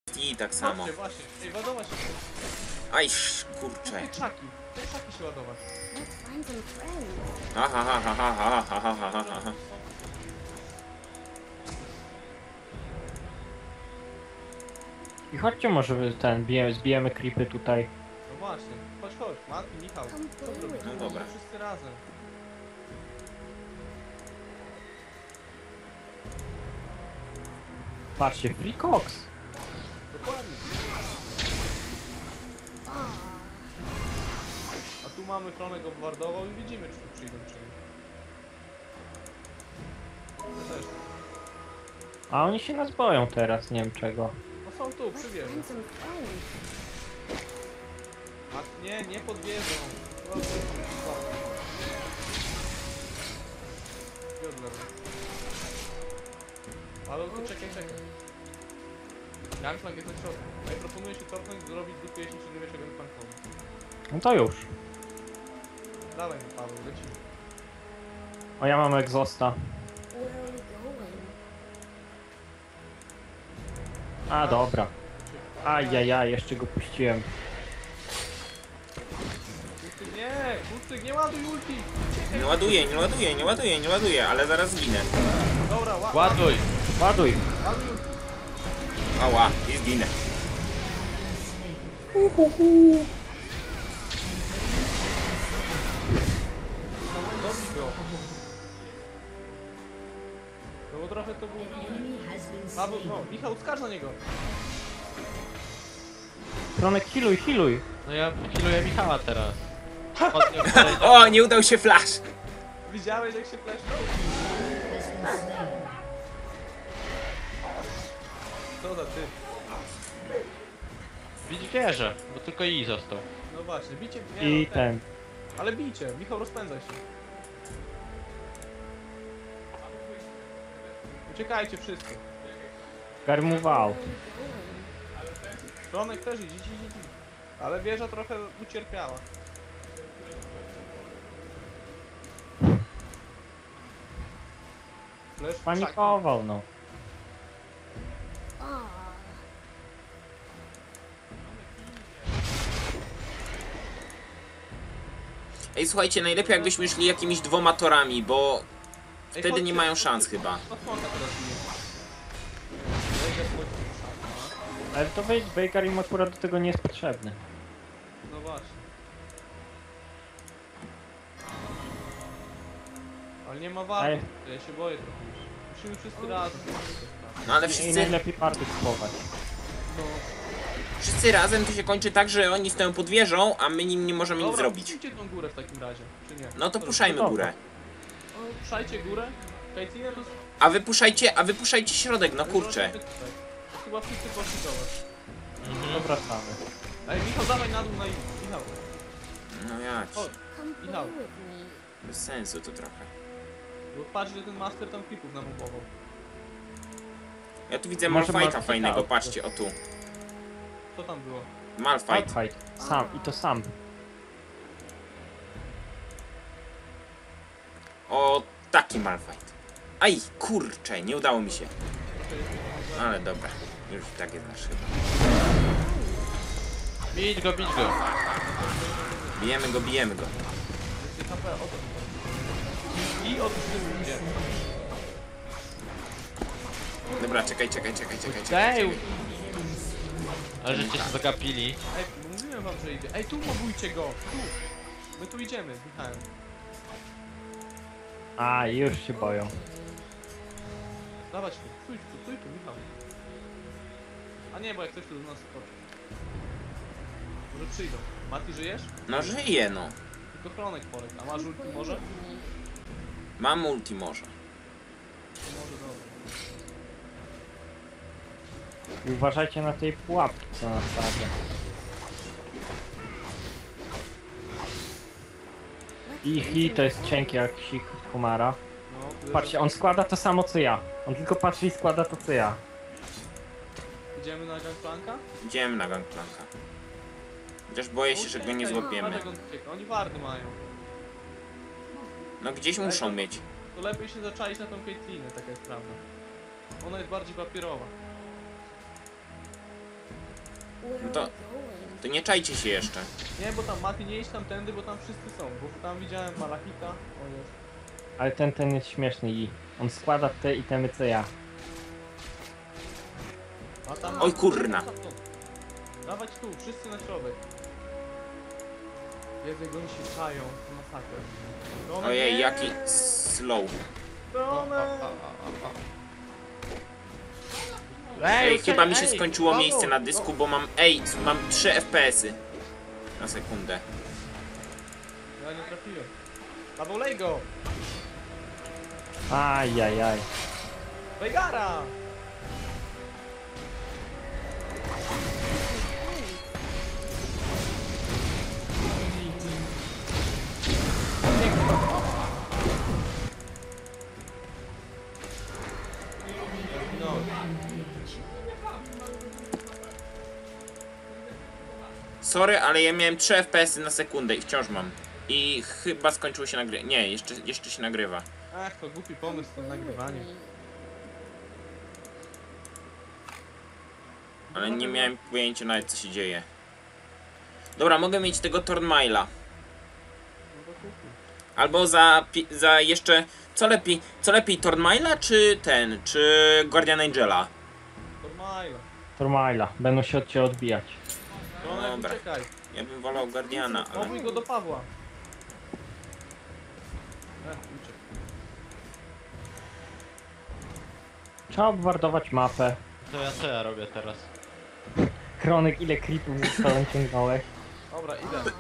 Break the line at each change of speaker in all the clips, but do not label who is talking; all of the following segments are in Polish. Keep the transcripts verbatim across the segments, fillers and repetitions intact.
I tak samo.
Chodźcie, właśnie. Ej, ładować się.
Aj, sz- kurczę.
Te krzaki. Te krzaki się ładować.
Let's find some friends.
Aha, ha, ha, ha, ha, ha, ha, ha, ha, ha.
I chodźcie może ten, bijemy, zbijemy creepy tutaj.
No właśnie. Chodź, chodź. Mati, Michał. Co zrobimy?
No dobra.
Wszyscy razem.
Patrzcie, Free Cox.
Dokładnie. A tu mamy Kronek obwardował i widzimy, czy tu przyjdą, czy nie. To też.
A oni się nas boją teraz, nie wiem czego.
No są tu, przy
Let's
wieży.
find some friends.
A nie, nie pod wieżą. Jodler. Ale tu czekaj, czekaj. Gangplank jest na środku. Ja proponuję się cofnąć, zrobić dupę, jeśli się nie wiesz, gangplankowi.
No to już.
Dawaj mi, Paweł, lecimy.
O, ja mam egzosta.
Where are we going?
A, dobra. Ajajaj, jeszcze go puściłem.
Kucyk, nie! Kucyk, nie ładuj ulti!
Nie ładuję, nie ładuję, nie ładuję, nie ładuję, ale zaraz zginę.
Dobra, ła
Ładuj!
Ładuj.
ładuj ulti.
Ała, i zginę.
Dobij go. No bo trochę to było... Paweł, no, Michał, skacz na niego.
Kronek, healuj, healuj.
No ja healuję Michała teraz. Od niego podejdę.
O, nie udał się flash.
Widziałeś, jak się flesznął? Co za ty?
Bić wieżę, bo tylko i został.
No właśnie, bicie... Nie,
I
no,
ten.
Ale bijcie, Michał, rozpędzaj się. Uciekajcie wszyscy.
Garmował.
Kronek też idź, idź, idź, idź. Ale wieża trochę ucierpiała. Flash w krzaki.
Panikował, no.
Ah,
Ej, słuchajcie, najlepiej jakbyśmy szli jakimiś dwoma torami, bo
Ej,
wtedy nie
chodźcie,
mają
chodźcie,
szans chyba.
No słonka teraz bije. Wejdę wchodzi w krzak,
Ale to wejdź, Baker im akurat do tego nie jest potrzebny.
no. No właśnie. Ale nie ma
Ej.
warty, ja się boję trochę już. Musimy wszyscy razem.
No ale
I
wszyscy,
najlepiej party schować.
No.
wszyscy razem to się kończy tak, że oni stoją pod wieżą, a my nim nie możemy nic
Dobra,
zrobić.
puszczajcie tą górę w takim razie, czy nie?
No to
Co
puszajmy
dobra.
górę.
robicie? No, puszajcie górę. Kajtinę to...
A wy puszajcie, a wy puszajcie środek, no kurczę.
Chyba wszyscy poszli do was.
To wracamy.
Ej, Michał, dawaj na dół na im. Michał,
No ja ci.
chodź.
come play
Michał.
with me.
Bez sensu to trochę.
Bo patrz, że ten master tam klipów namupował.
Ja tu widzę
Może
Malfighta
masz
fajnego,
ciekawe.
patrzcie, o tu.
Co tam było?
Malfight.
Fight. Sam, i to sam.
O, taki Malfight. Aj, kurczę, nie udało mi się. Ale dobra, już i tak jest nasz chyba.
Bić go, bić go.
Bijemy go, bijemy go.
Więcej H P, o to mi chodzi. I od tyłu idzie.
Dobra, czekaj, czekaj, czekaj, czekaj, czekaj.
Ej!
czekaj.
Ale żeście się zagapili.
Ej, mówiłem wam, że idzie. Ej, tu mobujcie go! Tu! My tu idziemy z Michałem.
A, już się boją.
Dawać tu, stój tu, stój tu, Michał. A nie, bo jak ktoś tu do nas skoczy. Może przyjdą. Mati, żyjesz?
No żyje, no.
Tylko Kronek polek. A masz ulti
Play
może?
with me.
Mam multi może.
To może dobra.
I uważajcie na tej pułapki, co na stawia. Ich i to jest cienki jak sik Kumara.
No,
Patrzcie, on składa to samo co ja. On tylko patrzy i składa to co ja.
Idziemy na Gangplanka?
Idziemy na Gangplanka. Chociaż boję się, że go nie złapiemy.
Patrz, jak on ucieka. Oni wardy mają.
No gdzieś muszą mieć.
To lepiej się zaczaić na tą Caitlinę, taka jest prawda. Ona jest bardziej papierowa.
Where
No
are
to,
we going?
to nie czajcie się jeszcze.
Nie, bo tam Mati, nie idź tam tędy, bo tam wszyscy są. Bo tam widziałem Malachita. O jest.
Ale ten, ten jest śmieszny i on składa te itemy co ja.
A tam...
Oj, kurna.
Dawać tu, wszyscy na środek. Jezu, jak oni się czają. To masakrę. Romek,
Ojej,
nie!
jaki slow.
Romek!
Ej,
uciekaj,
chyba mi się
ej,
skończyło
Paweł,
miejsce na dysku, bo mam... Ej, mam trzy F P S y. Na sekundę.
Ja nie trafiłem. Paweł, lej go!
Ajajaj.
Wejgara! No.
Sorry, ale ja miałem trzy F P S y na sekundę i wciąż mam. I chyba skończyło się nagrywanie. Nie, jeszcze, jeszcze się nagrywa.
Ach, to głupi pomysł z tym nagrywaniem.
Ale nie miałem pojęcia nawet co się dzieje. Dobra, mogę mieć tego Tornmaila.
No to kupi.
Albo za, pi- za jeszcze... Co lepiej, co lepiej Tornmaila czy ten, czy Guardian Angela?
To Majla.
Tormaila, będą się od ciebie odbijać.
Romek,
Dobra.
uciekaj.
Ja bym wolał Guardiana, ale...
Pobuj go do Pawła. Ech, uciekł.
Trzeba obwardować mapę.
To ja co ja robię teraz?
Kronek, ile creepów ze sobą ciągnąłeś?
Dobra, idę.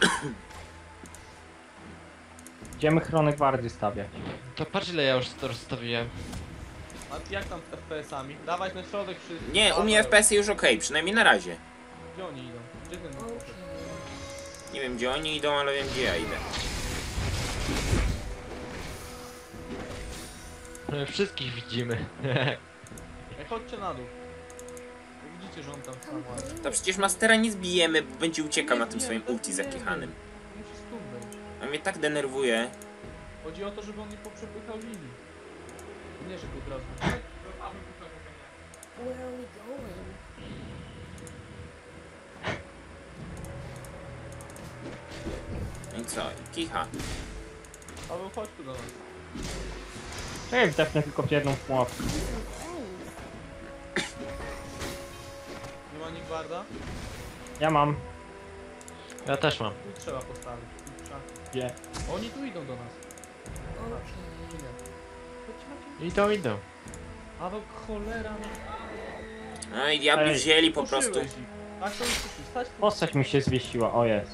Idziemy chronek bardziej stawiać.
To patrz ile ja już to rozstawiłem.
A jak tam z F P S-ami? Dawać na środek wszyscy.
Nie, u mnie F P S y już ok, przynajmniej na razie.
Gdzie oni idą? Gdzie ten
Okay.
poszedł?
Nie wiem gdzie oni idą, ale wiem gdzie ja idę.
My wszystkich widzimy.
Ej, chodźcie na dół. Bo widzicie, że on tam sam ładnie.
To przecież Mastera nie zbijemy, bo będzie uciekał na tym swoim ulti zakichanym.
Musi stąd być.
A mnie tak denerwuje.
Chodzi o to, żeby on nie poprzepychał linii. Nie, żeby od razu.
Where are we going?
No i co? I kicha.
Paweł, chodź tu do nas.
Czekaj, wdepnę tylko w jedną pułapkę.
Some friends.
Nie ma nikt barda?
Ja mam.
Ja też mam.
Tu trzeba postawić. Tu trzeba.
Gdzie?
Oni tu idą do nas.
Okay.
Czy nie? Chodźcie, chodźcie.
Idą, idą.
Paweł, cholera.
No i diabli
Ej.
wzięli po prostu.
Puszyłeś ich. Tak, to już puszczy. Stać tu.
Postać mi się zwiesiła, o jest.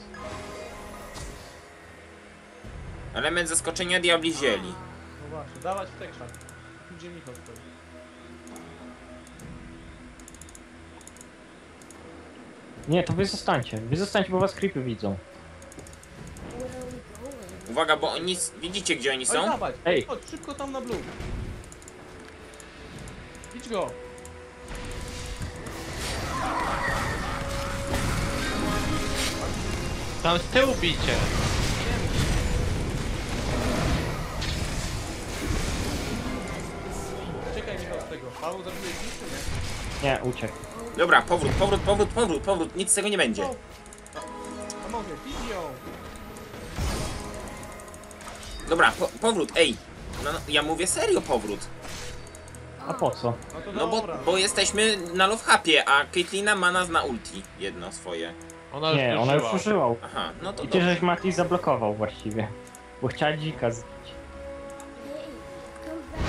Element zaskoczenia diabli wzięli.
No właśnie, dawać w te krzaki. Tu gdzie Michał stoi.
Nie, to wy zostańcie. Wy zostańcie, bo was creepy widzą.
Where are we going?
Uwaga, bo oni... Widzicie gdzie oni
Oj,
są?
dawać.
Ej.
Chodź, szybko tam na blue. Idź go.
Tam z tyłu bicie.
Czekaj Michał z tego. Paweł zabije ich czy nie?
Nie, uciekł.
Dobra, powrót, powrót, powrót, powrót, powrót. Nic z tego nie będzie.
O! A mogę, idź ją.
Dobra, po powrót, ej. No, no, ja mówię serio powrót.
A po co?
No to
No bo,
dobra.
bo jesteśmy na love hapie, a Caitlina ma nas na ulti. Jedno swoje.
Ona już
Nie, ona już
użyła.
użyła.
Aha, no to
I cię
dobrze.
żeś Mati zablokował właściwie. Bo chciała dzika zbić.
Hey, come back.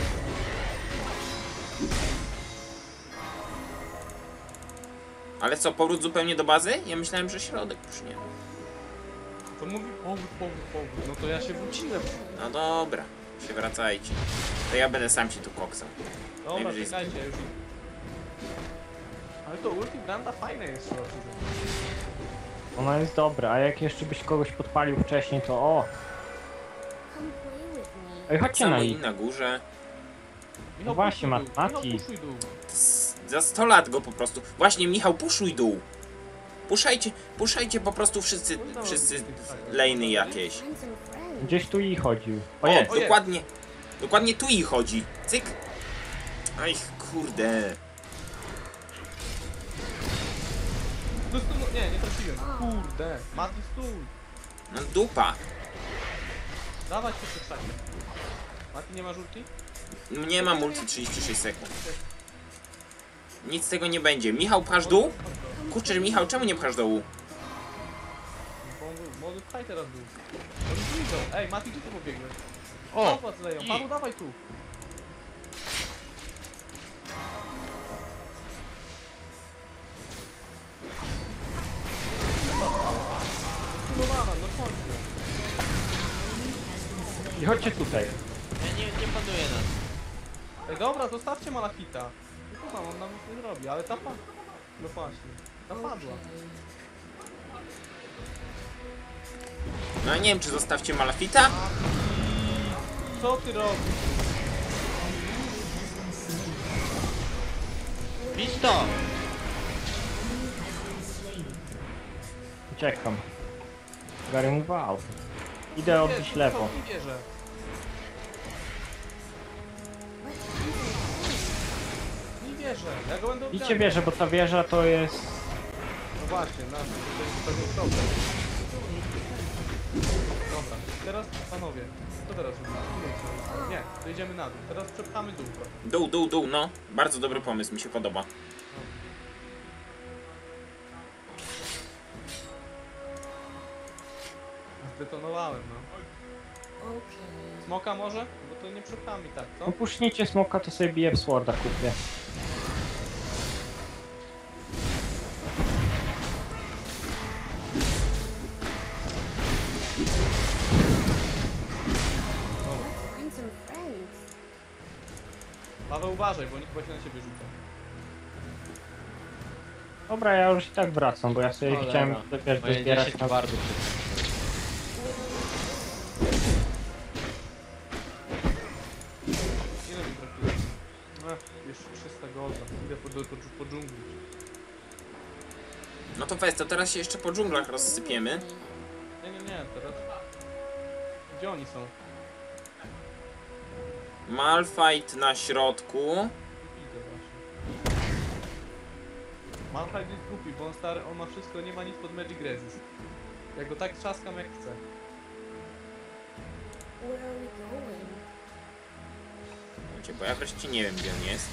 Ale co, powrót zupełnie do bazy? Ja myślałem, że środek już nie.
To mówi powód, powód, powód. No to ja się wróciłem.
No dobra, się wracajcie. To ja będę sam się tu koksał.
Dobra,
Najwyżej
czekajcie, już. Ale to ulti Branda fajne jest, trzeba przyznać.
Ona jest dobra, a jak jeszcze byś kogoś podpalił wcześniej, to o!
Come play with me.
Ej, chodźcie na
Samo i
ich.
na górze.
Michał,
właśnie,
puszuj dół.
Mati.
Michał, puszuj dół.
S- Za sto lat go po prostu. Właśnie, Michał, puszuj dół. Puszajcie, puszajcie po prostu wszyscy, wszyscy lejny jakieś.
Find some friends.
Gdzieś tu i chodził. O
O,
jest!
O, jest.
dokładnie, dokładnie tu i chodzi. Cyk. Aj, kurde.
Nie, nie trafiłem. Kurde. Mati, stój.
No dupa.
Dawaj się przed szakiem. Mati, nie ma żółti?
Nie ma multi trzydzieści sześć sekund. Nic z tego nie będzie. Michał, pchasz dół? Kurczę, Michał, czemu nie pchasz dołu?
Bo on był- Młody, pchaj teraz dół. Oni tu idą. Ej, Mati, gdzie ty pobiegłeś?
O!
Zobacz, leją.
i-
Paweł, dawaj tu. Zbudowana, no w końcu.
I chodźcie tutaj.
Ja nie, nie panuję nas.
Ej, dobra, zostawcie Malachita. No to on nam nic nie zrobi, ale ta padła. No właśnie, ta padła.
No ja nie wiem, czy zostawcie Malafita?
Co ty robisz?
Bić to!
Uciekam. Gary mu wał. Idę odbić lewo.
Nie wierzę. Nie wierzę, ja go będę
Idźcie
odbijał.
wieżę, bo ta wieża to jest...
No właśnie, na to jest pewien problem. Dobra, teraz panowie, co teraz robimy? Nie, to idziemy na dół, teraz przepchamy dół trochę.
Dół, dół, dół, no. Bardzo dobry pomysł, mi się podoba.
Zdetonowałem, no.
Okay.
Smoka może? Bo to nie przepchamy tak, co?
Upuśnijcie smoka, to sobie bije w sworda kupię.
Find some friends.
Paweł, uważaj, bo oni chyba się na ciebie rzucą.
Dobra, ja już i tak wracam, bo ja sobie
Cholera.
chciałem wiesz,
Moje
dozbierać
dziesięć
na...
bardzo
Ile mi trafiłeś? Ech, jeszcze trzysta golda. Idę po, po, po dżungli.
No to weź, to teraz się jeszcze po dżunglach rozsypiemy.
Nie, nie, nie, teraz... Gdzie oni są?
Malfight na środku.
Idę właśnie. Malphite jest głupi, bo on stary, on ma wszystko, nie ma nic pod Magic Resist. Ja go tak trzaskam jak chcę.
Where are we going?
Wiecie, bo ja wreszcie nie wiem, gdzie on jest.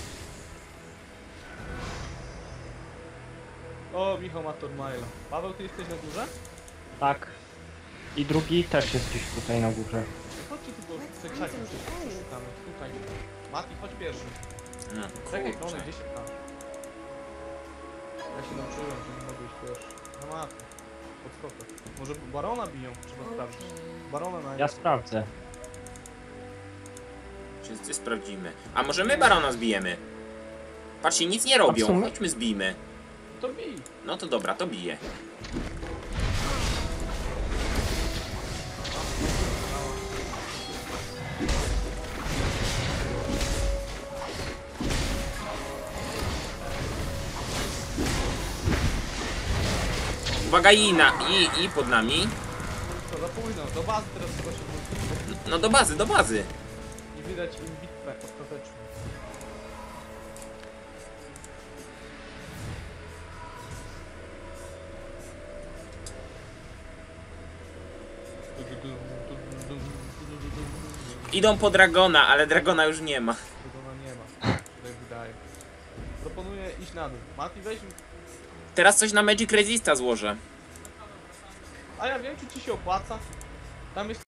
O, Michał ma Tormaila. Paweł, ty jesteś na górze?
Tak. I drugi też jest gdzieś tutaj na górze.
Chodźcie tu, bo w tej krzaki przeszukamy. Tutaj. Mati, chodź pierwszy.
No,
Czekaj,
kurczę.
Tony, gdzie się tam? Ja się nauczyłem, że nie mogę iść pierwszy. No Mati. Podskokę. Może Barona biją? Trzeba sprawdzić. Barona na...
Ja sprawdzę.
Wszyscy sprawdzimy. A może my barona zbijemy? Patrzcie, nic nie robią.
A w sumie-
Chodźmy zbijmy.
To bij.
No to dobra, to bije. Uwaga, i, na, i, i pod nami.
Co, za późno. Do bazy teraz trzeba się wrócić.
No do bazy, do bazy.
I wydać im bitwę ostateczną.
Idą po Dragona, ale Dragona już nie ma.
Tego no nie ma. Tak wydaje. Proponuję iść na dół. Mati, weź mi...
Teraz coś na Magic Resista złożę.
A ja wiem, czy ci się opłaca. Tam jest